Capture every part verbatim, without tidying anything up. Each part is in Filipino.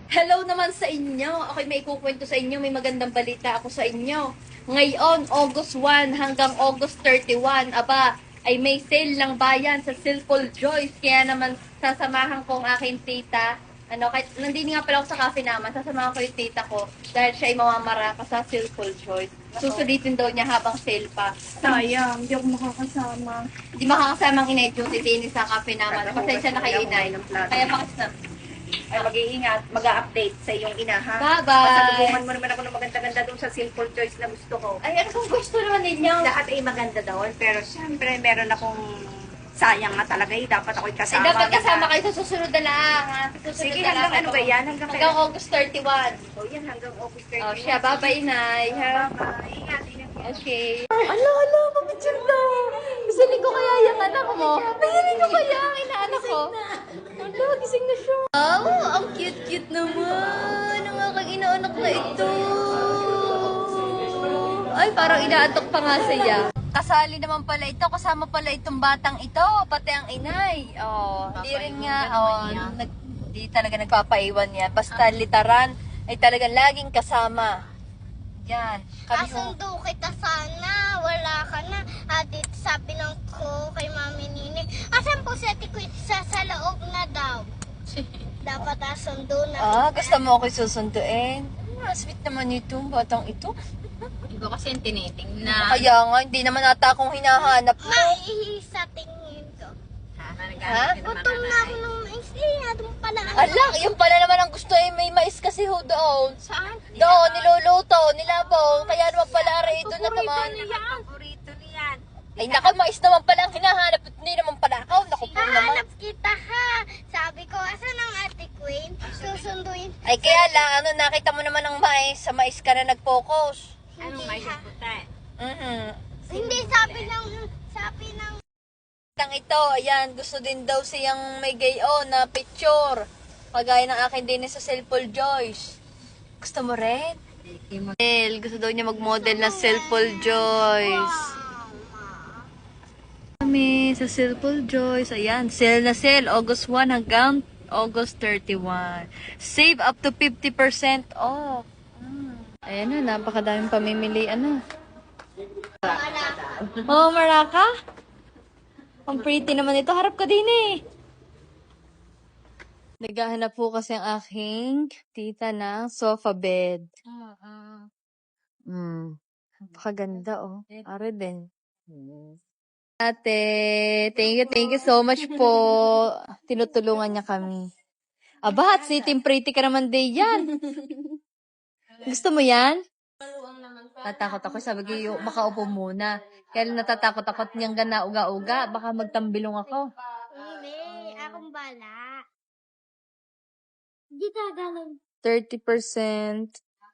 Hello naman sa inyo. Ako'y may kukwento sa inyo. May magandang balita ako sa inyo. Ngayon, August first hanggang August thirty-first, aba, ay may sale lang bayan sa Silpol Joyce. Kaya naman, sasamahan ko ang aking tita. Ano, kahit nandini nga pala ako sa cafe naman, sasamahan ko yung tita ko dahil siya ay mamamaraka sa Silpol Joyce. Susulitin daw niya habang sale pa. Sayang, hindi ako makakasama. Hindi makakasama ang inay duty din sa cafe naman. Pasensya na kayo, inay. Kaya makasama. Ay, mag-iingat, mag-update sa iyong ina, ha? Bye-bye! Pasalubungan mo naman ako ng maganda-ganda doon sa Simple Choice na gusto ko. Ay, ano kung gusto naman ninyo? Lahat ay maganda doon, pero siyempre meron akong sayang nga talaga eh. Dapat ako'y Ay, kasama. dapat kasama kayo sa susunod na lang, ha? Sa susunod Sige, na lang hanggang ano ako. ba yan? Hanggang, Hanggang August thirty-first. O yan, hanggang August thirty. Oh, siya, bye-bye, inay. Ha? Bye-bye. Ingat, ingat. Okay. Ala, ala, papicture daw. Gisingin ko kaya yung anak mo. Gisingin ko kaya ang inaanak ko. Ala, gising na siya. Oh, ang cute-cute naman. Ang aking inaanak na ito. Ay, parang inaatok pa nga siya. Kasali naman pala ito. Kasama pala itong batang ito. Pati ang inay. Oh, hindi rin nga. Oh, nag, di talaga nagpapaiwan yan. Basta litaran ay talagang laging kasama. Yan. Kami ho. Asundo kita sana, wala ka na. Adit sabi ng ko kay Mami Nini, asan po si Ate Quit sa, sa loob na daw. Dapat asundo na. Ah, gusto mo ako'y susunduin? Ah, sweet naman ito, batang ito. Iba kasi yung tiniting na. Kaya nga, hindi naman ata akong hinahanap mo. Maihi sa tingin ko. Ha? Ha? Gutom na ako ng mais. Eh, doon pala. Ala, yung pala naman ang gusto eh, may mais kasi ho doon. Saan? Doon, niluluto, nilabaw. Kaya naman pala aray doon na naman. Paborito niyan. Ay naka, mais naman pala ang hinahanap at hindi naman pala ako. Naku po naman. Hanap kita ha. Sabi ko, asan ang Ate Queen? Susunduin. Ay kaya lang, ano, nakita mo naman ang mais. Sa mais ka na nag-focus. Anong mais ha. yung puti? Mhm. Hindi, sabi ng, sabi ng, Tang ito, ayan, gusto din daw siyang may gayon na picture. Kagaya ng akin din sa Silpol Joyce. Gusto mo rin? Model, gusto daw niya mag-model na Silpol Joyce. Kami sa Silpol Joyce. Ayan, sale na sale. August first hanggang August thirty-first. Save up to fifty percent off. Mm. Ayan na, napakadaming pamimili. Ano? Oh, Maraka? Ang pretty naman ito. Harap ka din eh. Naghahanap po kasi ang aking tita ng sofa bed. Hmm. Napakaganda oh. Are din. Ate, thank you, thank you so much po. Tinutulungan niya kami. Aba, at sitting pretty ka naman din yan. Gusto mo yan? Natakot ako. Sabi ko, "Yo, makaupo muna." Kaya lang natatakot ako at niyang gana uga-uga. Baka magtambilong ako. hindi, akong bala. Hindi gagalang. thirty percent.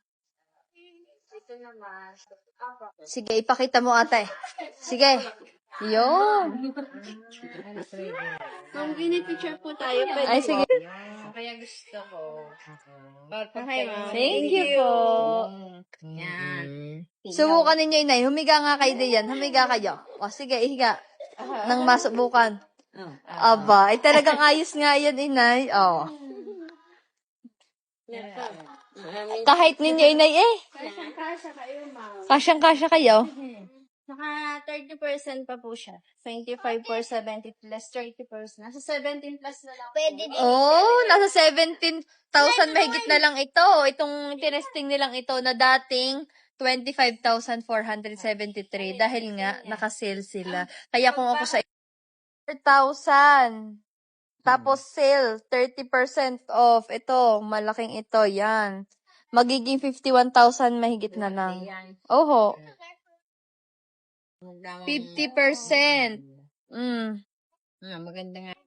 Sige, ipakita mo ate. Sige. Yun. Kung picture po tayo, pwede. Ay, sige. Kaya gusto ko. Thank you po. Yan. Subukan ninyo, inay. Humiga nga kayo diyan. Humiga kayo. O, sige, ihiga. Nang masubukan. Aba, ay talagang ayos nga yan, inay. O. Kahit ninyo, inay, eh. Kasyang-kasya kayo. Naka thirty percent pa po siya. twenty-five for seventy plus thirty percent. Nasa seventeen plus na lang. Pwede din. Oh, nasa seventeen thousand mahigit na lang ito. Itong tinesting nilang ito na dating twenty-five thousand four hundred seventy-three dahil nga naka-sale sila. Kaya kung ako sa four thousand tapos sale thirty percent off, ito malaking ito, yan. Magiging fifty-one thousand mahigit na lang. Oho. fifty percent. Mm. Ah, maganda nga.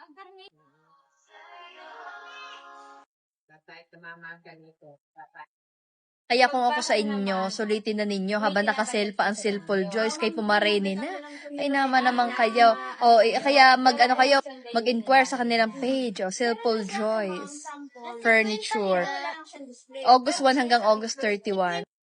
Tatay, tumama ganito. Tatay. Kaya kung ako sa inyo, sulitin na ninyo habang nakasale pa ang Silpol Joyce kay pumarene na. Ay naman naman kayo. O, eh, kaya mag ano kayo, mag-inquire sa kanilang page. O, Silpol Joyce Furniture. August first hanggang August thirty-first.